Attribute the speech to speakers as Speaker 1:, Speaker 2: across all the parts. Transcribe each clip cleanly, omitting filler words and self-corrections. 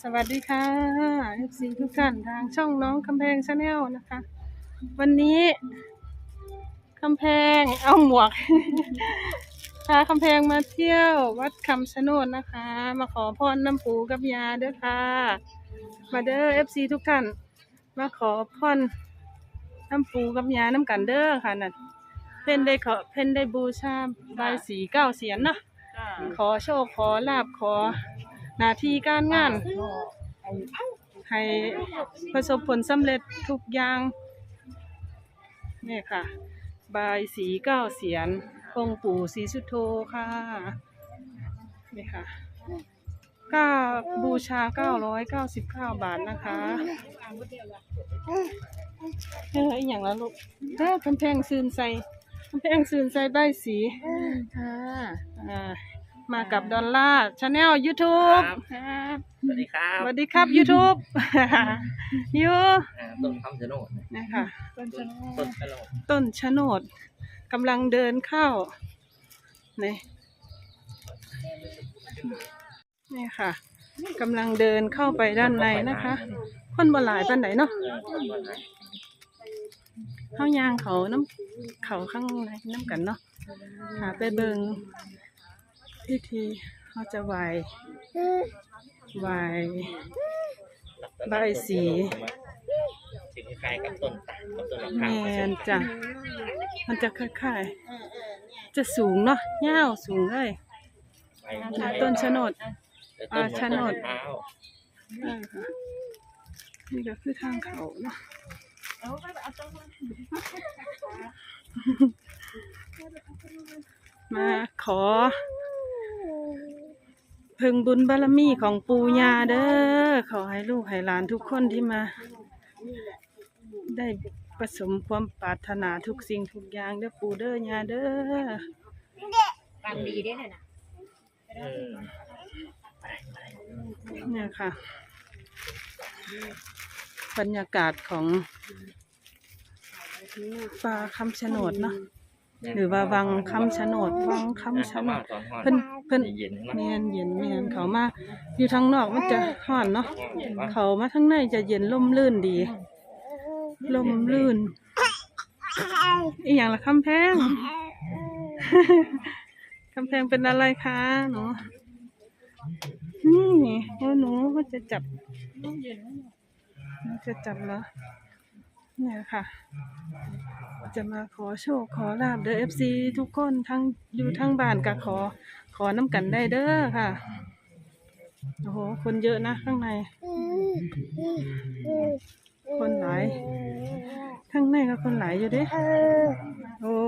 Speaker 1: สวัสดีค่ะ FC ทุกท่านทางช่องน้องคำแพงชาแนลนะคะ วันนี้คำแพงเอาหมวก พาคำแพงมาเที่ยววัดคำชะโนดนะคะ มาขอพรน้ำปูกับยาเด้อค่ะ มาเด้อ FC ทุกท่านมาขอพรน้ำปูกับยาน้ำกันเด้อค่ะนั่นเพิ่นได้บูชาบายสี9 เสียนเนาะขอโชคขอลาภขอหน้าที่การงานให้ประสบผลสำเร็จทุกอย่างนี่ค่ะบายสี9 เสียนองค์ปู่ศรีสุโธค่ะนี่ค่ะก็บูชา999 บาทนะคะอีกอย่างละลูกกำแพงซืนใส่ใบสีค่ะมากับดอลลาร์ชาแนล YouTube ครับ
Speaker 2: สวัสดีครับ
Speaker 1: สวัสดีครับ YouTube ยู
Speaker 2: ต้นคำชะโนด
Speaker 1: นะคะต้นชะโนดกำลังเดินเข้านี่ค่ะกำลังเดินเข้าไปด้านในนะคะคนบ่หลายปานไหนเนาะเข้ายางเขาข้างในน้ำกันเนาะหาไปเบิงพิธีเขาจะไหว้ใบสี
Speaker 2: คล้ายกับต้นตาลกับต้นมะพร้าว
Speaker 1: แม่นจ้ะมันจะคล้ายๆจะสูงเนาะยาวสูงเลยต้นชะโนดชะโนดนี่ก็คือทางเขาเนาะมาขอเพิ่งบุญบารมีของปู่ย่าเด้อขอให้ลูกให้หลานทุกคนที่มาได้ประสมความปรารถนาทุกสิ่งทุกอย่างเด้อปู่เด้อย่าเด้อฟังดีได้เลยนะเนี่ยค่ะบรรยากาศของป่าคำชะโนดเนาะหรือว่าวังคำชะโนดเพิ่นเมียนเย็นเขามาอยู่ทางนอกมันจะร้อนเนาะเขามาทางในจะเย็นร่มรื่นดีร่มรื่นอีกอย่างละคำแพง คำแพงเป็นอะไรคะหนูนี่หนูก็จะจับแล้วเนี่ยค่ะจะมาขอโชคขอลาบเด้อ FC ทุกคนทั้งอยู่ทั้งบ้านก็ขอน้ำกันได้เด้อค่ะโอ้โหคนเยอะนะข้างในคนหลายข้างในก็คนหลายอยู่เด้โอ้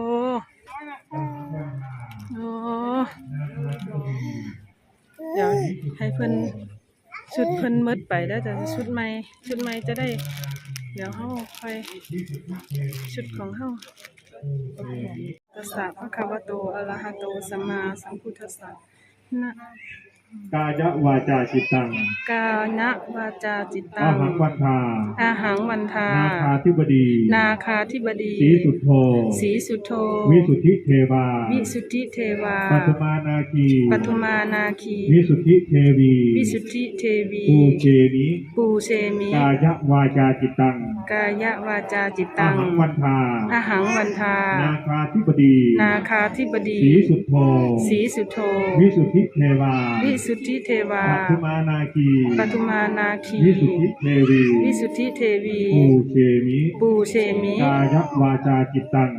Speaker 1: เดี๋ยวให้เพิ่นชุดเพิ่นมืดไปได้แต่ชุดใหม่จะได้เดี๋ยวเฮาไปชุดของเฮาตัสสะภะคะวะโตอะระหะโตสัมมาสัมพุทธัสสะนะ
Speaker 3: กายวาจาจิตตัง
Speaker 1: กายะวาจาจิตตังอาหังวันทานาคาธิบดี
Speaker 3: สีสุทโธวิสุทธิเทวาปัทุมานาคีวิสุทธิเทวีปูเชมิกายวาจาจิตตังอาหังวันทานาคาธิบดีสีสุทโธวิสุทธิเทวาปัทุมานาคีวิสุทธิเทวีปูเชมิกายวาจาจิตตัง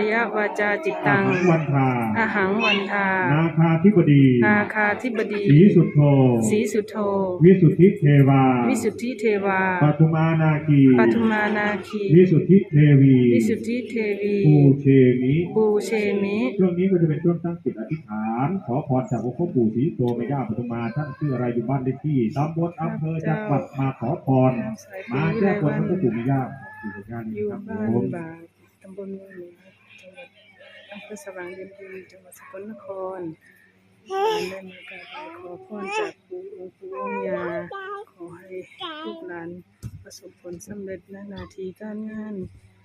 Speaker 3: อาหังวันทานาคาธิบดีสีสุทโธวิสุทธิเทวาปัทุมานาคีวิสุทธิเทวีปูเชมิช่วงนี้ก็จะเป็นช่วงตั้งจิตอธิษฐานขอพรจากองค์พ่อปู่ศรีโตแม่ย่าปทุมมาท่านชื่ออะไรอยู่บ้านเลขที่ตำบลอำเภอจังหวัดมาขอพรมาแก้บนพ่อปู่แม่ย่า
Speaker 1: อยู่บ้านบาตำบลเมืองเหนือจังหวัดอำเภอสว่างเย็นดีจังหวัดสกลนครได้มากราบขอพรจากองค์ปู่องค์ย่าขอให้ลูกหลานประสบผลสำเร็จในหน้าที่การงาน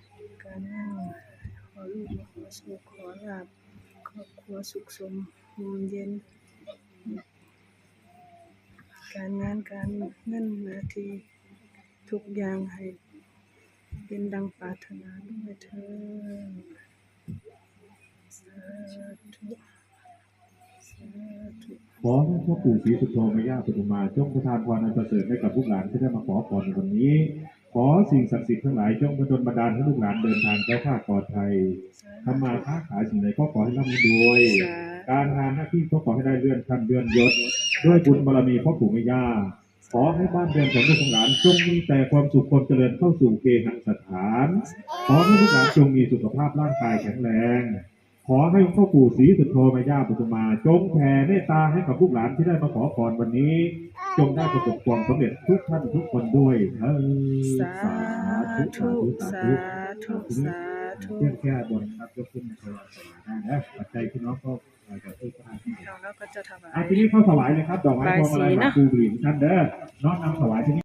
Speaker 1: ขอลูกขอโชคขอลาภครอบครัวสุขสมร่มเย็นการงานการเงินหน้าที่ทุกอย่างให้เป็นดังปรารถนาด้วยเถิดสาธุสาธุ
Speaker 3: ขอให้พ่อปู่ศรีสุโธแม่ย่าปทุมมาจงประทานพรอันประเสริฐให้กับลูกหลานที่ได้มาขอพรในวันนี้ ขอสิ่งศักดิ์สิทธิ์ทั้งหลายจงบันดาลให้ลูกหลานเดินทางแคล้วคลาดปลอดภัยทำมาค้าขายสิ่งใดก็ขอให้ร่ำรวย การงานหน้าที่ก็ขอให้ได้เลื่อนขั้นเลื่อนยศด้วยบุญบารมีพ่อปู่แม่ย่าขอให้บ้านเรือนของลูกของหลานจงมีแต่ความสุขความเจริญเข้าสู่เกหสถาน ขอให้ลูกหลานจงมีสุขภาพร่างกายแข็งแรงขอให้พ่อปู่ศรีสุโธแม่ย่าปทุมมาจงแผ่เมตตาให้กับลูกหลานที่ได้มาขอพรวันนี้จงได้ประสบความสำเร็จทุกท่านทุกคนด้วย
Speaker 1: สาธุสาธุสาธุ
Speaker 3: เรื่องแก้บนครับยกขึ้นในถวายสวายได้นะปัจจัยพี่น้องก็จะช่วยกัน
Speaker 1: เราก็จะถวาย
Speaker 3: ทีนี้เข้าถวายเลยครับดอกไม้พวงมาลัยหมากพลูบุหรี่ท่านเด้อน้อมนำถวายที่นี่